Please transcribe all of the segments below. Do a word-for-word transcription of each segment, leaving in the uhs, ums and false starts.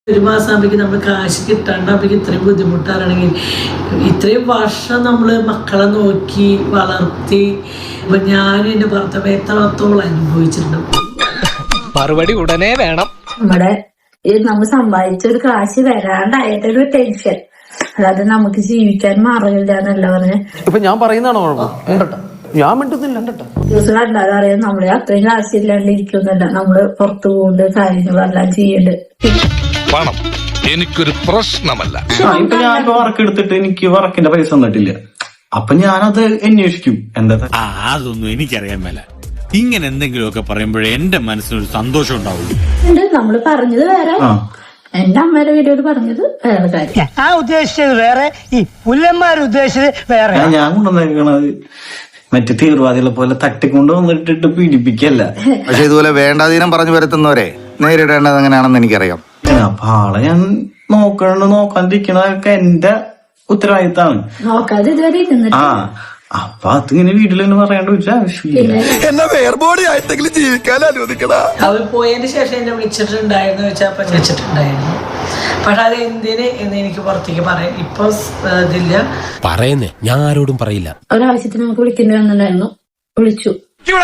ഒരു മാസം ആകുമ്പോഴേക്കും നമ്മൾ കാശ് കിട്ടാണ്ടാകുമ്പോഴേക്കും ഇത്രയും ബുദ്ധിമുട്ടാണെങ്കിൽ ഇത്രയും വർഷം നമ്മൾ മക്കളെ നോക്കി വളർത്തി അപ്പൊ ഞാനും എൻ്റെ ഭർത്താവ് എത്രത്തോളം അനുഭവിച്ചിട്ടുണ്ട്. മറുപടി ഉടനെ വേണം. നമ്മുടെ നമ്മൾ സമ്പാദിച്ച ഒരു കാശ് വരാണ്ടായിട്ടൊരു ടെൻഷൻ, അല്ലാതെ നമുക്ക് ജീവിക്കാൻ മാറില്ല എന്നല്ല പറഞ്ഞ്. ഇപ്പൊ ഞാൻ പറയുന്നതാണോ കുഴപ്പം? ഞാൻ മിണ്ടുന്നില്ല. ദിവസം കണ്ടാലും അറിയാം നമ്മള് അത്രയും കാശ് ഇല്ലാണ്ട് ഇരിക്കുന്നില്ല. നമ്മള് പുറത്തു പോകുന്നുണ്ട്, കാര്യങ്ങളെല്ലാം ചെയ്യുന്നുണ്ട്. പണം എനിക്കൊരു പ്രശ്നമല്ല. ഇപ്പൊ ഞാൻ വർക്ക് എടുത്തിട്ട് എനിക്ക് വർക്കിന്റെ പൈസ തന്നിട്ടില്ല. അപ്പൊ ഞാനത് അന്വേഷിക്കും. എന്താ അതൊന്നും എനിക്കറിയാൻ മേല. ഇങ്ങനെ എന്തെങ്കിലുമൊക്കെ പറയുമ്പോഴേ എന്റെ മനസ്സിനൊരു സന്തോഷം ഉണ്ടാവുള്ളൂ. നമ്മള് പറഞ്ഞത് വേറെ, എന്റെ അമ്മയുടെ വീഡിയോയിൽ പറഞ്ഞത് വേറെ കാര്യം. ആ ഉദ്ദേശിച്ചത് വേറെ, ഈ പുല്ലന്മാർ ഉദ്ദേശിച്ചത് വേറെ. ഞാൻ കൊണ്ടുവന്നേക്കണത് മറ്റു തീവ്രവാദികളെ പോലെ തട്ടിക്കൊണ്ട് വന്നിട്ടിട്ട് പീഡിപ്പിക്കല്ല. പക്ഷെ ഇതുപോലെ വേണ്ടാതീനം പറഞ്ഞു വരുത്തുന്നവരെ നേരിടേണ്ടത് എങ്ങനെയാണെന്ന് എനിക്കറിയാം. അപ്പൊ ആളെ ഞാൻ നോക്കണ നോക്കാണ്ടിരിക്കണതൊക്കെ എന്റെ ഉത്തരവാദിത്താണ്. നോക്കാതെ ഇതുവരെ ഇരുന്നിട്ട് ആ അപ്പൊ അതിങ്ങനെ വീട്ടിൽ തന്നെ പറയേണ്ട ഒരു ആവശ്യമില്ല. എന്നെ വേർബോഡി ആയിട്ടെങ്കിലും ജീവിക്കാൻ അനുവദിക്കണ. അവർ പോയതിന് ശേഷം എന്നെ വിളിച്ചിട്ടുണ്ടായിരുന്നു വെച്ചാൽ അപ്പൊ വെച്ചിട്ടുണ്ടായിരുന്നു. പക്ഷെ അത് എന്തിന് എന്ന് എനിക്ക് പുറത്തേക്ക് പറയാം ഇപ്പൊ ഇതില്ല. പറയുന്നേ ഞാൻ ആരോടും പറയില്ല. ഒരാവശ്യത്തിന് നമുക്ക് വിളിക്കേണ്ടി വന്നിട്ടുണ്ടായിരുന്നു. വിളിച്ചു ഞാൻ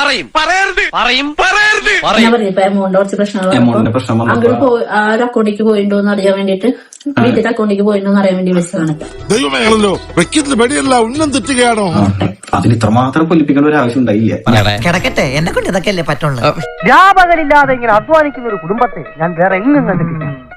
പറഞ്ഞു ഇപ്പൊ എമൗണ്ട് കുറച്ച് എമൗണ്ടിന്റെ പ്രശ്നം പ്രശ്നങ്ങൾ അങ്ങോട്ട് പോയി ആ ഒരു അക്കൗണ്ടിലേക്ക് പോയിണ്ടോ എന്ന് അറിയാൻ വേണ്ടിട്ട്, വീട്ടിലെ അക്കൗണ്ടിലേക്ക് പോയിണ്ടോ എന്ന് അറിയാൻ വേണ്ടി വിളിച്ചതാണ്. ദൈവമേണല്ലോ വെക്കത്തിൽ പടിയല്ല ഉന്നം തെറ്റുകയാണോ? അതിന് ഇത്രമാത്രം കൊല്ലിപ്പിക്കേണ്ട ഒരു ആവശ്യം ഉണ്ടായില്ല. കിടക്കട്ടെ, എന്നെ കൊണ്ട് ഇതൊക്കെ അല്ലേ പറ്റുള്ളൂ. വ്യാപകരില്ലാതെ ഇങ്ങനെ അധ്വാനിക്കുന്ന ഒരു കുടുംബത്തെ ഞാൻ വേറെ എങ്ങും കണ്ടിട്ടില്ല.